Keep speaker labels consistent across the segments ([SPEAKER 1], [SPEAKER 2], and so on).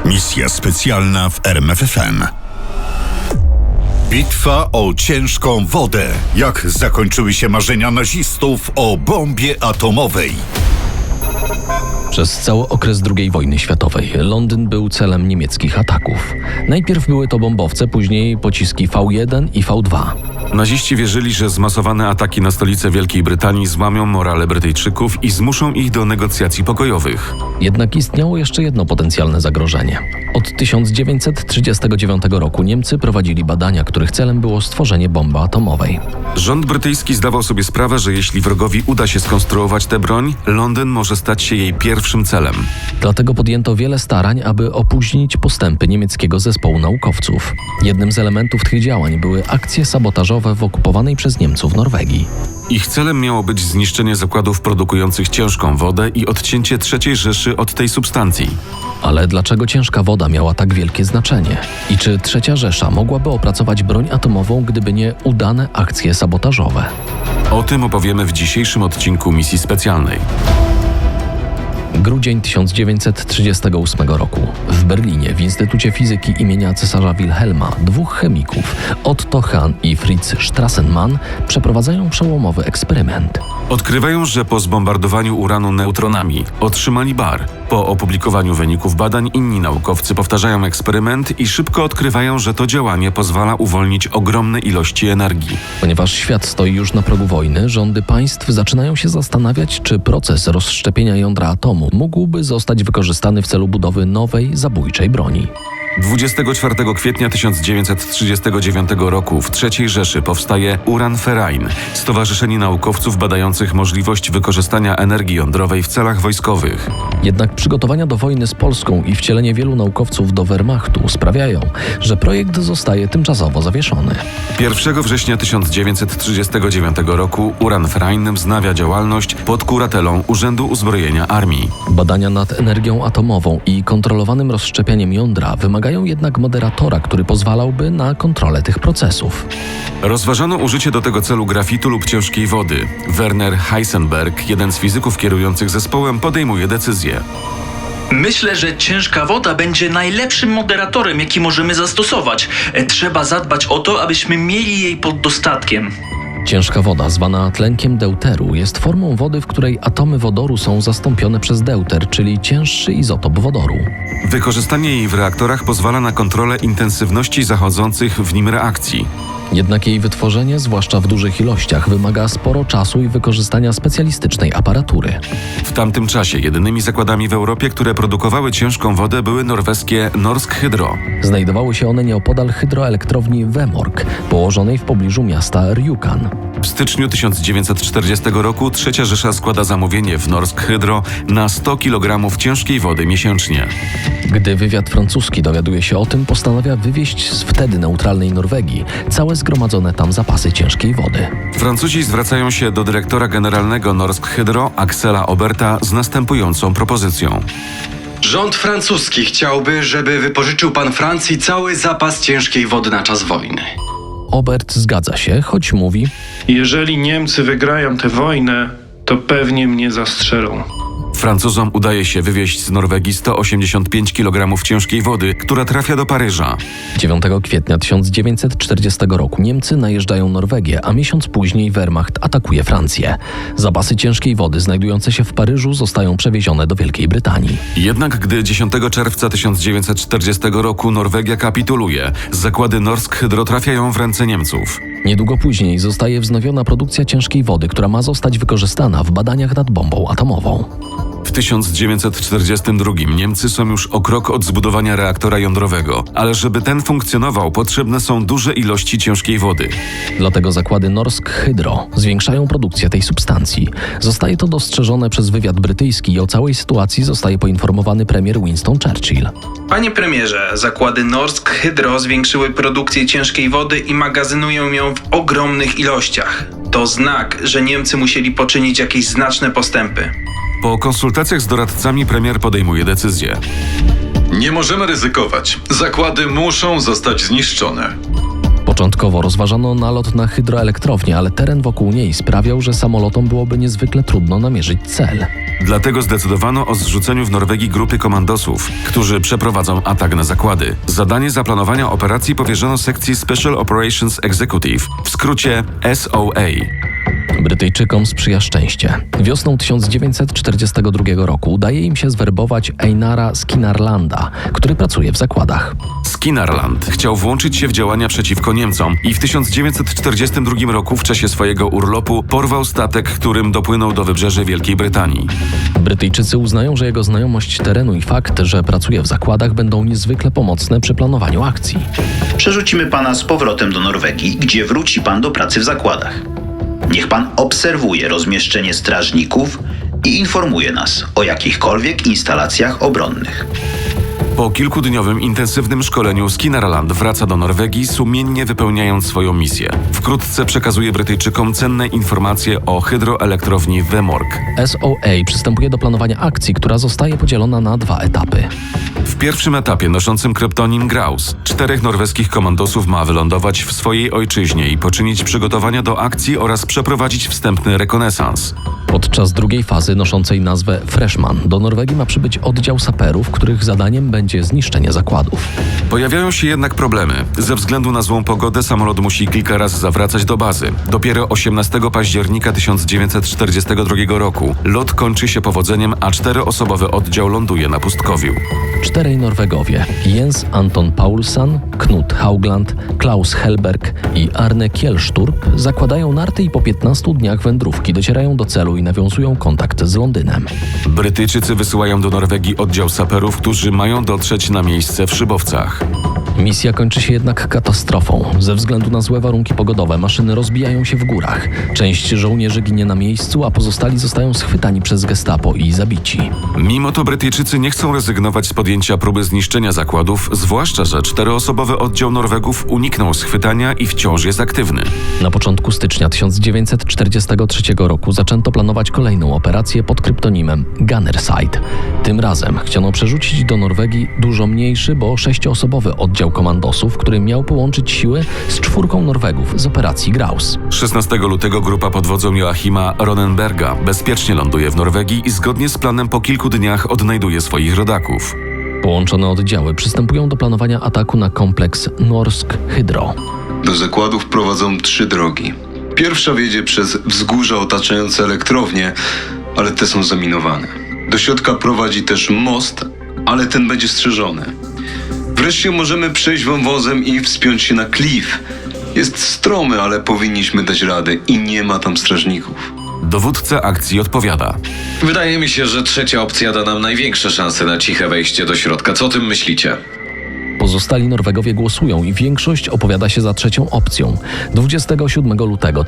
[SPEAKER 1] Misja specjalna w RMFFM. Bitwa o ciężką wodę. Jak zakończyły się marzenia nazistów o bombie atomowej?
[SPEAKER 2] Przez cały okres II wojny światowej Londyn był celem niemieckich ataków. Najpierw były to bombowce, później pociski V1 i V2.
[SPEAKER 3] Naziści wierzyli, że zmasowane ataki na stolicę Wielkiej Brytanii złamią morale Brytyjczyków i zmuszą ich do negocjacji pokojowych.
[SPEAKER 2] Jednak istniało jeszcze jedno potencjalne zagrożenie. Od 1939 roku Niemcy prowadzili badania, których celem było stworzenie bomby atomowej.
[SPEAKER 3] Rząd brytyjski zdawał sobie sprawę, że jeśli wrogowi uda się skonstruować tę broń, Londyn może stać się jej pierwszym celem.
[SPEAKER 2] Dlatego podjęto wiele starań, aby opóźnić postępy niemieckiego zespołu naukowców. Jednym z elementów tych działań były akcje sabotażowe w okupowanej przez Niemców Norwegii.
[SPEAKER 3] Ich celem miało być zniszczenie zakładów produkujących ciężką wodę i odcięcie III Rzeszy od tej substancji.
[SPEAKER 2] Ale dlaczego ciężka woda miała tak wielkie znaczenie? I czy III Rzesza mogłaby opracować broń atomową, gdyby nie udane akcje sabotażowe?
[SPEAKER 3] O tym opowiemy w dzisiejszym odcinku Misji Specjalnej.
[SPEAKER 2] Grudzień 1938 roku. W Berlinie w Instytucie Fizyki imienia cesarza Wilhelma dwóch chemików, Otto Hahn i Fritz Strassmann, przeprowadzają przełomowy eksperyment.
[SPEAKER 3] Odkrywają, że po zbombardowaniu uranu neutronami otrzymali bar. Po opublikowaniu wyników badań inni naukowcy powtarzają eksperyment i szybko odkrywają, że to działanie pozwala uwolnić ogromne ilości energii.
[SPEAKER 2] Ponieważ świat stoi już na progu wojny, rządy państw zaczynają się zastanawiać, czy proces rozszczepienia jądra atomu mógłby zostać wykorzystany w celu budowy nowej, zabójczej broni.
[SPEAKER 3] 24 kwietnia 1939 roku w III Rzeszy powstaje Uran-Verein, stowarzyszenie naukowców badających możliwość wykorzystania energii jądrowej w celach wojskowych.
[SPEAKER 2] Jednak przygotowania do wojny z Polską i wcielenie wielu naukowców do Wehrmachtu sprawiają, że projekt zostaje tymczasowo zawieszony.
[SPEAKER 3] 1 września 1939 roku Uran-Verein wznawia działalność pod kuratelą Urzędu Uzbrojenia Armii.
[SPEAKER 2] Badania nad energią atomową i kontrolowanym rozszczepianiem jądra wymagają jednak moderatora, który pozwalałby na kontrolę tych procesów.
[SPEAKER 3] Rozważano użycie do tego celu grafitu lub ciężkiej wody. Werner Heisenberg, jeden z fizyków kierujących zespołem, podejmuje decyzję.
[SPEAKER 4] Myślę, że ciężka woda będzie najlepszym moderatorem, jaki możemy zastosować. Trzeba zadbać o to, abyśmy mieli jej pod dostatkiem.
[SPEAKER 2] Ciężka woda, zwana tlenkiem deuteru, jest formą wody, w której atomy wodoru są zastąpione przez deuter, czyli cięższy izotop wodoru.
[SPEAKER 3] Wykorzystanie jej w reaktorach pozwala na kontrolę intensywności zachodzących w nim reakcji.
[SPEAKER 2] Jednak jej wytworzenie, zwłaszcza w dużych ilościach, wymaga sporo czasu i wykorzystania specjalistycznej aparatury.
[SPEAKER 3] W tamtym czasie jedynymi zakładami w Europie, które produkowały ciężką wodę, były norweskie Norsk Hydro.
[SPEAKER 2] Znajdowały się one nieopodal hydroelektrowni Vemork, położonej w pobliżu miasta Rjukan.
[SPEAKER 3] W styczniu 1940 roku III Rzesza składa zamówienie w Norsk Hydro na 100 kg ciężkiej wody miesięcznie.
[SPEAKER 2] Gdy wywiad francuski dowiaduje się o tym, postanawia wywieźć z wtedy neutralnej Norwegii całe zgromadzone tam zapasy ciężkiej wody.
[SPEAKER 3] Francuzi zwracają się do dyrektora generalnego Norsk Hydro, Axela Oberta, z następującą propozycją.
[SPEAKER 5] Rząd francuski chciałby, żeby wypożyczył pan Francji cały zapas ciężkiej wody na czas wojny.
[SPEAKER 2] Obert zgadza się, choć mówi:
[SPEAKER 6] jeżeli Niemcy wygrają tę wojnę, to pewnie mnie zastrzelą.
[SPEAKER 3] Francuzom udaje się wywieźć z Norwegii 185 kg ciężkiej wody, która trafia do Paryża.
[SPEAKER 2] 9 kwietnia 1940 roku Niemcy najeżdżają Norwegię, a miesiąc później Wehrmacht atakuje Francję. Zapasy ciężkiej wody znajdujące się w Paryżu zostają przewiezione do Wielkiej Brytanii.
[SPEAKER 3] Jednak gdy 10 czerwca 1940 roku Norwegia kapituluje, zakłady Norsk Hydro trafiają w ręce Niemców.
[SPEAKER 2] Niedługo później zostaje wznowiona produkcja ciężkiej wody, która ma zostać wykorzystana w badaniach nad bombą atomową.
[SPEAKER 3] W 1942 Niemcy są już o krok od zbudowania reaktora jądrowego, ale żeby ten funkcjonował, potrzebne są duże ilości ciężkiej wody.
[SPEAKER 2] Dlatego zakłady Norsk Hydro zwiększają produkcję tej substancji. Zostaje to dostrzeżone przez wywiad brytyjski i o całej sytuacji zostaje poinformowany premier Winston Churchill.
[SPEAKER 7] Panie premierze, zakłady Norsk Hydro zwiększyły produkcję ciężkiej wody i magazynują ją w ogromnych ilościach. To znak, że Niemcy musieli poczynić jakieś znaczne postępy.
[SPEAKER 3] Po konsultacjach z doradcami premier podejmuje decyzję.
[SPEAKER 8] Nie możemy ryzykować. Zakłady muszą zostać zniszczone.
[SPEAKER 2] Początkowo rozważano nalot na hydroelektrownię, ale teren wokół niej sprawiał, że samolotom byłoby niezwykle trudno namierzyć cel.
[SPEAKER 3] Dlatego zdecydowano o zrzuceniu w Norwegii grupy komandosów, którzy przeprowadzą atak na zakłady. Zadanie zaplanowania operacji powierzono sekcji Special Operations Executive, w skrócie SOA.
[SPEAKER 2] Brytyjczykom sprzyja szczęście. Wiosną 1942 roku udaje im się zwerbować Einara Skinnarlanda, który pracuje w zakładach.
[SPEAKER 3] Skinnarland chciał włączyć się w działania przeciwko Niemcom i w 1942 roku w czasie swojego urlopu porwał statek, którym dopłynął do wybrzeży Wielkiej Brytanii.
[SPEAKER 2] Brytyjczycy uznają, że jego znajomość terenu i fakt, że pracuje w zakładach, będą niezwykle pomocne przy planowaniu akcji.
[SPEAKER 8] Przerzucimy pana z powrotem do Norwegii, gdzie wróci pan do pracy w zakładach. Niech pan obserwuje rozmieszczenie strażników i informuje nas o jakichkolwiek instalacjach obronnych.
[SPEAKER 3] Po kilkudniowym intensywnym szkoleniu Skinnarland wraca do Norwegii, sumiennie wypełniając swoją misję. Wkrótce przekazuje Brytyjczykom cenne informacje o hydroelektrowni Vemork.
[SPEAKER 2] SOA przystępuje do planowania akcji, która zostaje podzielona na 2 etapy.
[SPEAKER 3] W pierwszym etapie, noszącym kryptonim Graus, 4 norweskich komandosów ma wylądować w swojej ojczyźnie i poczynić przygotowania do akcji oraz przeprowadzić wstępny rekonesans.
[SPEAKER 2] Podczas drugiej fazy, noszącej nazwę Freshman, do Norwegii ma przybyć oddział saperów, których zadaniem będzie zniszczenie zakładów.
[SPEAKER 3] Pojawiają się jednak problemy. Ze względu na złą pogodę samolot musi kilka razy zawracać do bazy. Dopiero 18 października 1942 roku lot kończy się powodzeniem, a 4-osobowy oddział ląduje na pustkowiu.
[SPEAKER 2] 4 Norwegowie, Jens Anton Paulsson, Knut Haugland, Klaus Helberg i Arne Kjellsturp, zakładają narty i po 15 dniach wędrówki docierają do celu i nawiązują kontakt z Londynem.
[SPEAKER 3] Brytyjczycy wysyłają do Norwegii oddział saperów, którzy mają dotrzeć na miejsce w Szybowcach.
[SPEAKER 2] Misja kończy się jednak katastrofą. Ze względu na złe warunki pogodowe maszyny rozbijają się w górach. Część żołnierzy ginie na miejscu, a pozostali zostają schwytani przez gestapo i zabici.
[SPEAKER 3] Mimo to Brytyjczycy nie chcą rezygnować z podjęcia próby zniszczenia zakładów, zwłaszcza że 4-osobowy oddział Norwegów uniknął schwytania i wciąż jest aktywny.
[SPEAKER 2] Na początku stycznia 1943 roku zaczęto planować kolejną operację pod kryptonimem Gunnerside. Tym razem chciano przerzucić do Norwegii dużo mniejszy, bo 6-osobowy oddział komandosów, który miał połączyć siły z 4 Norwegów z operacji Graus.
[SPEAKER 3] 16 lutego grupa pod wodzą Joachima Ronenberga bezpiecznie ląduje w Norwegii i zgodnie z planem po kilku dniach odnajduje swoich rodaków.
[SPEAKER 2] Połączone oddziały przystępują do planowania ataku na kompleks Norsk Hydro.
[SPEAKER 9] Do zakładów prowadzą 3 drogi. Pierwsza wiedzie przez wzgórza otaczające elektrownię, ale te są zaminowane. Do środka prowadzi też most, ale ten będzie strzeżony. Wreszcie możemy przejść wąwozem i wspiąć się na klif. Jest stromy, ale powinniśmy dać radę i nie ma tam strażników.
[SPEAKER 3] Dowódca akcji odpowiada.
[SPEAKER 10] Wydaje mi się, że trzecia opcja da nam największe szanse na ciche wejście do środka. Co o tym myślicie?
[SPEAKER 2] Pozostali Norwegowie głosują i większość opowiada się za trzecią opcją. 27 lutego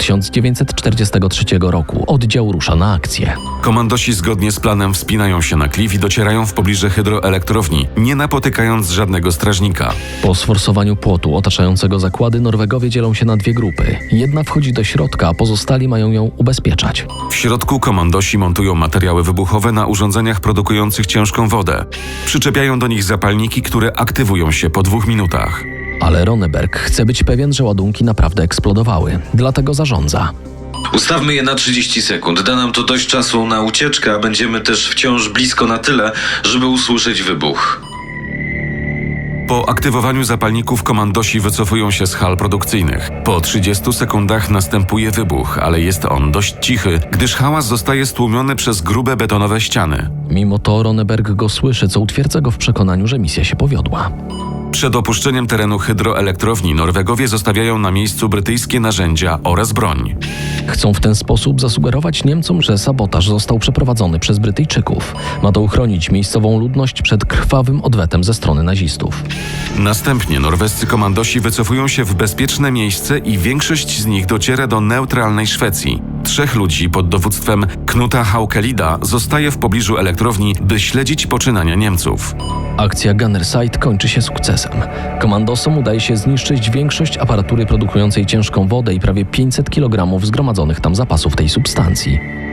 [SPEAKER 2] 1943 roku oddział rusza na akcję.
[SPEAKER 3] Komandosi zgodnie z planem wspinają się na klif i docierają w pobliże hydroelektrowni, nie napotykając żadnego strażnika.
[SPEAKER 2] Po sforsowaniu płotu otaczającego zakłady Norwegowie dzielą się na 2 grupy. Jedna wchodzi do środka, a pozostali mają ją ubezpieczać.
[SPEAKER 3] W środku komandosi montują materiały wybuchowe na urządzeniach produkujących ciężką wodę. Przyczepiają do nich zapalniki, które aktywują się po 2 minutach.
[SPEAKER 2] Ale Ronneberg chce być pewien, że ładunki naprawdę eksplodowały. Dlatego zarządza.
[SPEAKER 10] Ustawmy je na 30 sekund. Da nam to dość czasu na ucieczkę, a będziemy też wciąż blisko na tyle, żeby usłyszeć wybuch.
[SPEAKER 3] Po aktywowaniu zapalników komandosi wycofują się z hal produkcyjnych. Po 30 sekundach następuje wybuch, ale jest on dość cichy, gdyż hałas zostaje stłumiony przez grube betonowe ściany.
[SPEAKER 2] Mimo to Ronneberg go słyszy, co utwierdza go w przekonaniu, że misja się powiodła.
[SPEAKER 3] Przed opuszczeniem terenu hydroelektrowni Norwegowie zostawiają na miejscu brytyjskie narzędzia oraz broń.
[SPEAKER 2] Chcą w ten sposób zasugerować Niemcom, że sabotaż został przeprowadzony przez Brytyjczyków. Ma to uchronić miejscową ludność przed krwawym odwetem ze strony nazistów.
[SPEAKER 3] Następnie norwescy komandosi wycofują się w bezpieczne miejsce i większość z nich dociera do neutralnej Szwecji. 3 ludzi pod dowództwem Knuta Haukelida zostaje w pobliżu elektrowni, by śledzić poczynania Niemców.
[SPEAKER 2] Akcja Gunnerside kończy się sukcesem. Komandosom udaje się zniszczyć większość aparatury produkującej ciężką wodę i prawie 500 kg zgromadzonych tam zapasów tej substancji.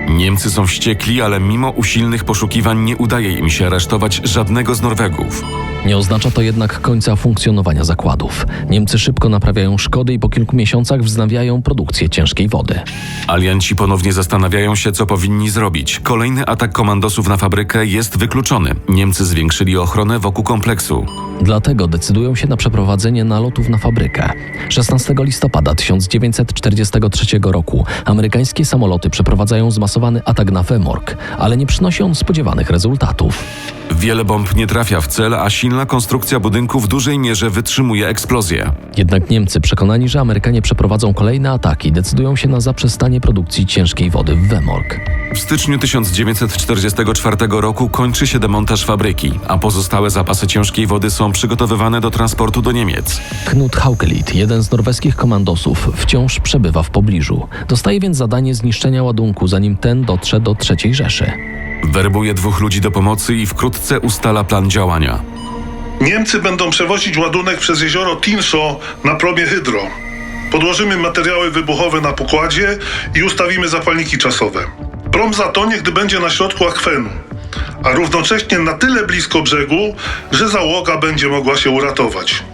[SPEAKER 3] Niemcy są wściekli, ale mimo usilnych poszukiwań nie udaje im się aresztować żadnego z Norwegów.
[SPEAKER 2] Nie oznacza to jednak końca funkcjonowania zakładów. Niemcy szybko naprawiają szkody i po kilku miesiącach wznawiają produkcję ciężkiej wody.
[SPEAKER 3] Alianci ponownie zastanawiają się, co powinni zrobić. Kolejny atak komandosów na fabrykę jest wykluczony. Niemcy zwiększyli ochronę wokół kompleksu.
[SPEAKER 2] Dlatego decydują się na przeprowadzenie nalotów na fabrykę. 16 listopada 1943 roku amerykańskie samoloty przeprowadzają zmasowany atak na Vemork, ale nie przynosi on spodziewanych rezultatów.
[SPEAKER 3] Wiele bomb nie trafia w cel, a silna konstrukcja budynku w dużej mierze wytrzymuje eksplozję.
[SPEAKER 2] Jednak Niemcy, przekonani, że Amerykanie przeprowadzą kolejne ataki, decydują się na zaprzestanie produkcji ciężkiej wody w Vemork.
[SPEAKER 3] W styczniu 1944 roku kończy się demontaż fabryki, a pozostałe zapasy ciężkiej wody są przygotowywane do transportu do Niemiec.
[SPEAKER 2] Knut Haukelit, jeden z norweskich komandosów, wciąż przebywa w pobliżu. Dostaje więc zadanie zniszczenia ładunku, zanim ten dotrze do III Rzeszy.
[SPEAKER 3] Werbuje 2 ludzi do pomocy i wkrótce ustala plan działania.
[SPEAKER 11] Niemcy będą przewozić ładunek przez jezioro Tinsho na promie Hydro. Podłożymy materiały wybuchowe na pokładzie i ustawimy zapalniki czasowe. Prom zatonie, gdy będzie na środku akwenu, a równocześnie na tyle blisko brzegu, że załoga będzie mogła się uratować.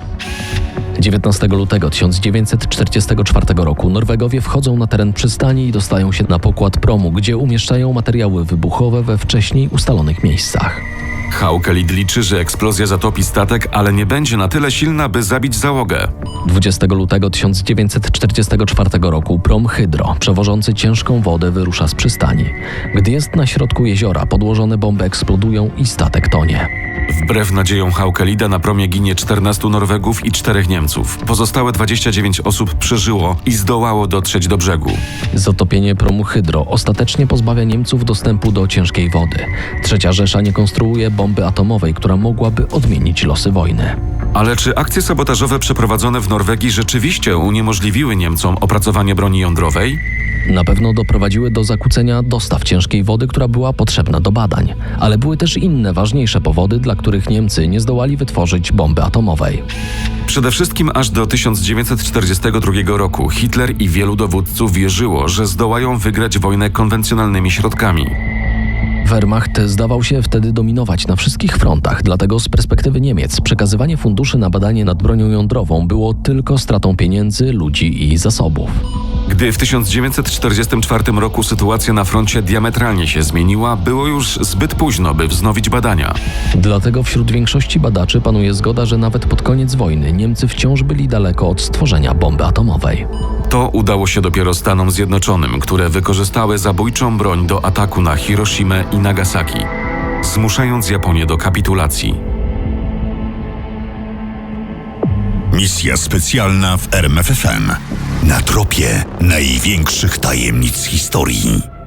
[SPEAKER 2] 19 lutego 1944 roku Norwegowie wchodzą na teren przystani i dostają się na pokład promu, gdzie umieszczają materiały wybuchowe we wcześniej ustalonych miejscach.
[SPEAKER 3] Haukelit liczy, że eksplozja zatopi statek, ale nie będzie na tyle silna, by zabić załogę.
[SPEAKER 2] 20 lutego 1944 roku prom Hydro, przewożący ciężką wodę, wyrusza z przystani. Gdy jest na środku jeziora, podłożone bomby eksplodują i statek tonie.
[SPEAKER 3] Wbrew nadziejom Haukelida na promie ginie 14 Norwegów i 4 Niemców. Pozostałe 29 osób przeżyło i zdołało dotrzeć do brzegu.
[SPEAKER 2] Zatopienie promu Hydro ostatecznie pozbawia Niemców dostępu do ciężkiej wody. III Rzesza nie konstruuje bomby atomowej, która mogłaby odmienić losy wojny.
[SPEAKER 3] Ale czy akcje sabotażowe przeprowadzone w Norwegii rzeczywiście uniemożliwiły Niemcom opracowanie broni jądrowej?
[SPEAKER 2] Na pewno doprowadziły do zakłócenia dostaw ciężkiej wody, która była potrzebna do badań. Ale były też inne, ważniejsze powody, dla których Niemcy nie zdołali wytworzyć bomby atomowej.
[SPEAKER 3] Przede wszystkim aż do 1942 roku Hitler i wielu dowódców wierzyło, że zdołają wygrać wojnę konwencjonalnymi środkami.
[SPEAKER 2] Wehrmacht zdawał się wtedy dominować na wszystkich frontach, dlatego z perspektywy Niemiec przekazywanie funduszy na badanie nad bronią jądrową było tylko stratą pieniędzy, ludzi i zasobów.
[SPEAKER 3] Gdy w 1944 roku sytuacja na froncie diametralnie się zmieniła, było już zbyt późno, by wznowić badania.
[SPEAKER 2] Dlatego wśród większości badaczy panuje zgoda, że nawet pod koniec wojny Niemcy wciąż byli daleko od stworzenia bomby atomowej.
[SPEAKER 3] To udało się dopiero Stanom Zjednoczonym, które wykorzystały zabójczą broń do ataku na Hiroshimę i Nagasaki, zmuszając Japonię do kapitulacji.
[SPEAKER 1] Misja specjalna w RMFFM. Na tropie największych tajemnic historii.